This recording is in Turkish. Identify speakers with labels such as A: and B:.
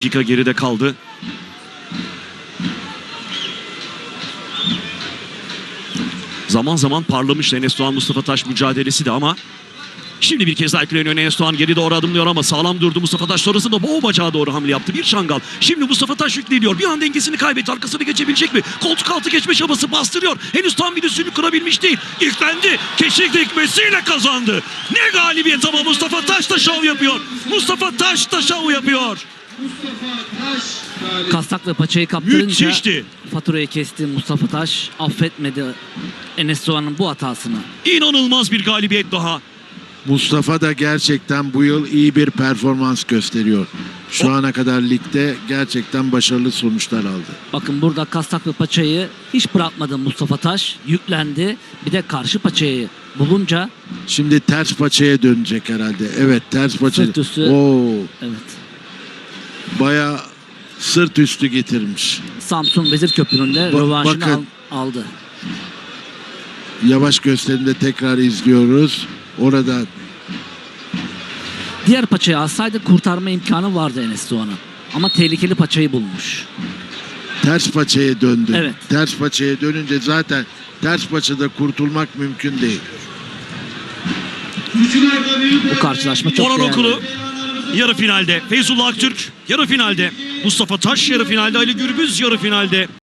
A: Dakika geride kaldı. Zaman zaman parlamıştı Enes Doğan Mustafa Taş mücadelesi de ama şimdi bir kez daha yükleniyor Enes Doğan, geri doğru adımlıyor ama sağlam durdu Mustafa Taş, sonrasında boğ bacağı doğru hamle yaptı. Bir çangal. Şimdi Mustafa Taş yükleniyor. Bir an dengesini kaybetti. Arkasını geçebilecek mi? Koltuk altı geçme çabası, bastırıyor. Henüz tam bir üstünlük kurabilmiş değil. Yüklendi. Keşik dikmesiyle kazandı. Ne galibiyet ama Mustafa Taş da şov yapıyor. Mustafa Taş da şov yapıyor.
B: Kastakla paçayı kaptırınca
A: Müthişti.
B: faturayı kesti Mustafa Taş. Affetmedi Enes Doğan'ın bu hatasını.
A: İnanılmaz bir galibiyet daha.
C: Mustafa da gerçekten bu yıl iyi bir performans gösteriyor. Şu ana kadar ligde gerçekten başarılı sonuçlar aldı.
B: Bakın burada kastaklı paçayı hiç bırakmadı Mustafa Taş. Yüklendi. Bir de karşı paçayı bulunca
C: Şimdi ters paçaya dönecek herhalde. Evet, ters paça.
B: sırt üstü.
C: Oo,
B: Evet.
C: bayağı sırt üstü getirmiş.
B: Samsun Vezir Köprü'nde rövanşını
C: bakın.
B: aldı.
C: Yavaş gösterimde tekrar izliyoruz. Orada
B: Diğer paçayı alsaydı kurtarma imkanı vardı Enes Doğan'ın. Ama tehlikeli paçayı bulmuş.
C: ters paçaya döndü.
B: Evet.
C: Ters paçaya dönünce zaten ters paçada kurtulmak mümkün değil.
B: Bu karşılaşma çok
A: Orhan
B: değerli.
A: Okulu yarı finalde. Feyzullah Aktürk yarı finalde. Mustafa Taş yarı finalde. Ali Gürbüz yarı finalde.